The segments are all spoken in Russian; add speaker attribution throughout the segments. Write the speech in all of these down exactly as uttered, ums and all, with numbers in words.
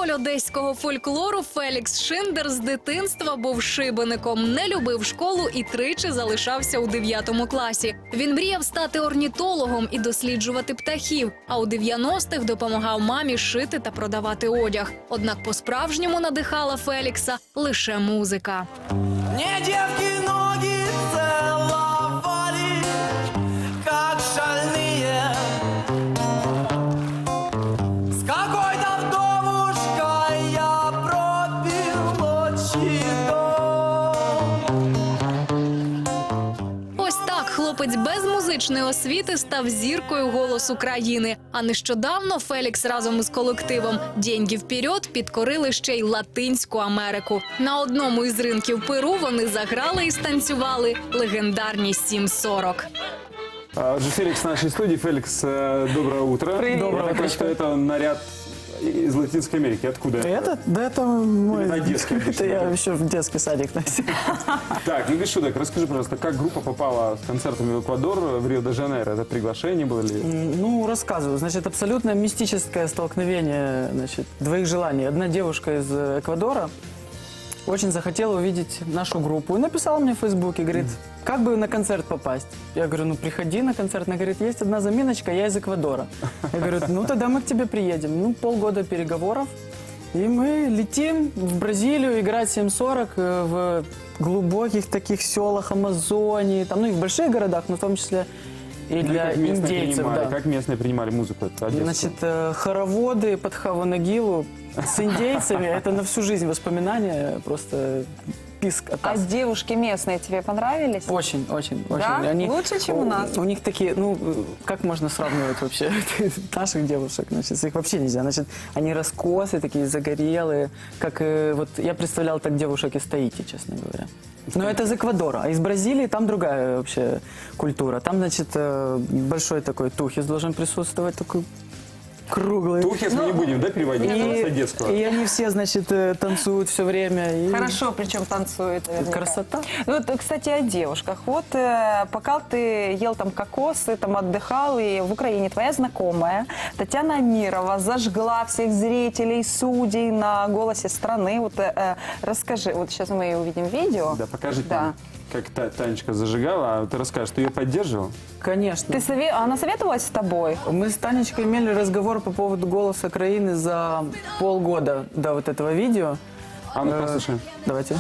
Speaker 1: Символь одеського фольклору Фелікс Шиндер з дитинства був шибеником, не любив школу і тричі залишався у дев'ятому класі. Він мріяв стати орнітологом і досліджувати птахів, а у дев'яностих допомагав мамі шити та продавати одяг. Однак по-справжньому надихала Фелікса лише музика.
Speaker 2: Мне девки ноги целовали, как шальные. С какой-то вдовушкой я пропил отчий дом.
Speaker 1: Ось так хлопець без музичної освіти став зіркою «Голосу країни». А нещодавно Фелікс разом із колективом «Деньги вперед» підкорили ще й Латинську Америку. На одному із ринків Перу вони заграли і станцювали легендарні сім сорок.
Speaker 3: А, же Феликс в нашей студии. Феликс, э, доброе утро.
Speaker 4: Привет.
Speaker 3: Доброе утро. Что это наряд из Латинской Америки? Откуда?
Speaker 4: Это, да это мой...
Speaker 3: Или одесский?
Speaker 4: Это я еще в детский садик носил.
Speaker 3: Так, ну без шуток, расскажи, пожалуйста, как группа попала с концертами в Эквадор, в Рио-де-Жанейро? Это приглашение было ли?
Speaker 4: Ну, рассказываю. Значит, абсолютно мистическое столкновение, значит, двоих желаний. Одна девушка из Эквадора очень захотела увидеть нашу группу и написала мне в Фейсбуке, говорит, как бы на концерт попасть? Я говорю, ну приходи на концерт. Она говорит, есть одна заминочка, я из Эквадора. Я говорю, ну тогда мы к тебе приедем. Ну, полгода переговоров, и мы летим в Бразилию играть семь сорок в глубоких таких селах Амазонии, там, ну и в больших городах, но в том числе и
Speaker 3: Ну,
Speaker 4: для
Speaker 3: как местные
Speaker 4: индейцев.
Speaker 3: принимали,
Speaker 4: Да.
Speaker 3: как местные принимали музыку эту одесскую?
Speaker 4: Значит, э, хороводы под Хаванагилу с индейцами, это на всю жизнь воспоминания, просто писк от
Speaker 5: А
Speaker 4: нас.
Speaker 5: девушки местные тебе понравились?
Speaker 4: Очень, очень, очень.
Speaker 5: Да? Лучше, чем у нас?
Speaker 4: У них такие, ну, как можно сравнивать вообще наших девушек? Значит, их вообще нельзя. Значит, они раскосы, такие загорелые, как э, вот я представлял так девушек из Таити, честно говоря. Но это из Эквадора, а из Бразилии там другая вообще культура. Там, значит, э, большой такой тухис должен присутствовать, такой круглый.
Speaker 3: Тухис мы не будем, да, переводить
Speaker 4: И,
Speaker 3: с одесского?
Speaker 4: и они все, значит, э, танцуют все время. И...
Speaker 5: Хорошо, причем танцует. наверняка.
Speaker 4: Красота.
Speaker 5: Ну, вот, кстати, о девушках. Вот э, пока ты ел там кокосы, там отдыхал, и в Украине твоя знакомая Татьяна Амирова зажгла всех зрителей, судей на «Голосе страны». Вот э, расскажи, вот сейчас мы увидим видео.
Speaker 3: Да, покажи
Speaker 5: Да.
Speaker 3: там, как Та- Танечка зажигала, а ты расскажешь, ты ее поддерживал?
Speaker 4: Конечно.
Speaker 5: Ты сове... Она советовалась с тобой?
Speaker 4: Мы с Танечкой имели разговор по поводу «Голоса Украины» за полгода до вот этого видео.
Speaker 3: А ну
Speaker 4: Э,
Speaker 3: послушаем.
Speaker 4: Давайте.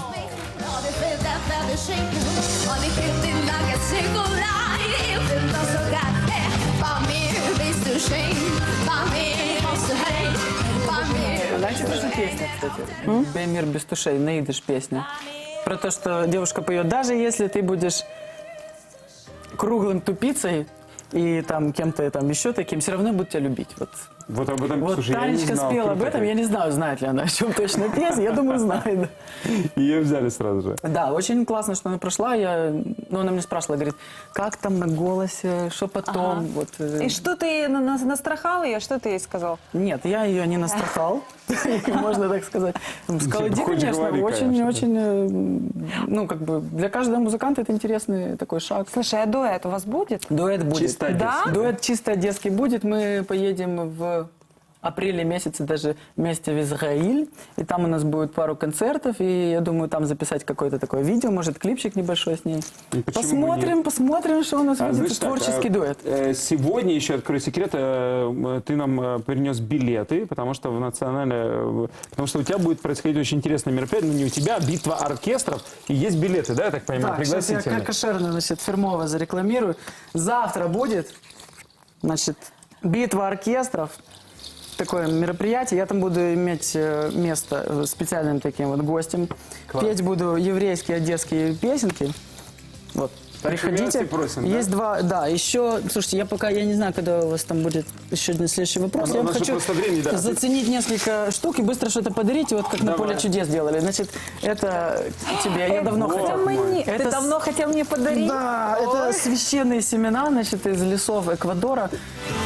Speaker 4: Знаете, что за песня, кстати? «Беймир без тушей», наидыш песня. Про то, что девушка поет, даже если ты будешь круглым тупицей и там кем-то там еще таким, все равно будут тебя любить. Вот.
Speaker 3: Вот об этом,
Speaker 4: Вот
Speaker 3: слушай, я не
Speaker 4: Танечка
Speaker 3: знал.
Speaker 4: спела об
Speaker 3: Круто
Speaker 4: этом,
Speaker 3: как.
Speaker 4: я не знаю, знает ли она, о чем точно песня, я думаю, знает.
Speaker 3: Ее взяли сразу же.
Speaker 4: Да, очень классно, что она прошла, я, ну, она мне спрашивала, говорит, как там на «Голосе», что потом,
Speaker 5: Ага.
Speaker 4: вот. э,
Speaker 5: И что ты на- на- настрахал ее? Что ты ей сказал?
Speaker 4: Нет, я ее не настрахал, можно так сказать. Сказала, иди,
Speaker 3: Хоть
Speaker 4: конечно,
Speaker 3: говори,
Speaker 4: очень,
Speaker 3: конечно, да.
Speaker 4: очень, э, ну, как бы, для каждого музыканта это интересный такой шаг.
Speaker 5: Слушай, а дуэт у вас будет?
Speaker 4: Дуэт будет.
Speaker 3: Чисто одесский.
Speaker 5: Да?
Speaker 4: Дуэт чисто одесский будет. Мы поедем в апреле месяце даже вместе в Израиль. И там у нас будет пару концертов. И я думаю, там записать какое-то такое видео, может, клипчик небольшой с ней.
Speaker 3: И почему бы
Speaker 4: Посмотрим,
Speaker 3: нет?
Speaker 4: посмотрим, что у нас
Speaker 3: А,
Speaker 4: будет.
Speaker 3: значит так,
Speaker 4: Творческий
Speaker 3: а,
Speaker 4: дуэт.
Speaker 3: э, Сегодня, еще открою секрет, э, ты нам э, принес билеты, потому что в национальное, э, потому что у тебя будет происходить очень интересное мероприятие, ну не у тебя, битва оркестров, и есть билеты, да, я так понимаю,
Speaker 4: Так, сейчас я
Speaker 3: пригласительные.
Speaker 4: как кошерно, значит, фирмово зарекламирую. Завтра будет, значит, битва оркестров. Такое мероприятие. Я там буду иметь э, место э, специальным таким вот гостем.
Speaker 3: Класс.
Speaker 4: Петь буду еврейские, одесские песенки. Вот.
Speaker 3: Так что
Speaker 4: Приходите.
Speaker 3: милости просим, да?
Speaker 4: Есть два, да, еще, слушайте, я пока, я не знаю, когда у вас там будет еще один следующий вопрос.
Speaker 3: У
Speaker 4: я вам
Speaker 3: нас же
Speaker 4: хочу
Speaker 3: просто времени, да.
Speaker 4: заценить несколько штук и быстро что-то подарить, вот как на
Speaker 3: Давай.
Speaker 4: поле чудес делали. Значит, это тебе, я давно
Speaker 3: вот
Speaker 4: хотел.
Speaker 5: Мне.
Speaker 4: Это
Speaker 5: Ты
Speaker 4: с-
Speaker 5: давно хотел мне подарить?
Speaker 4: Да, это священные семена, значит, из лесов Эквадора.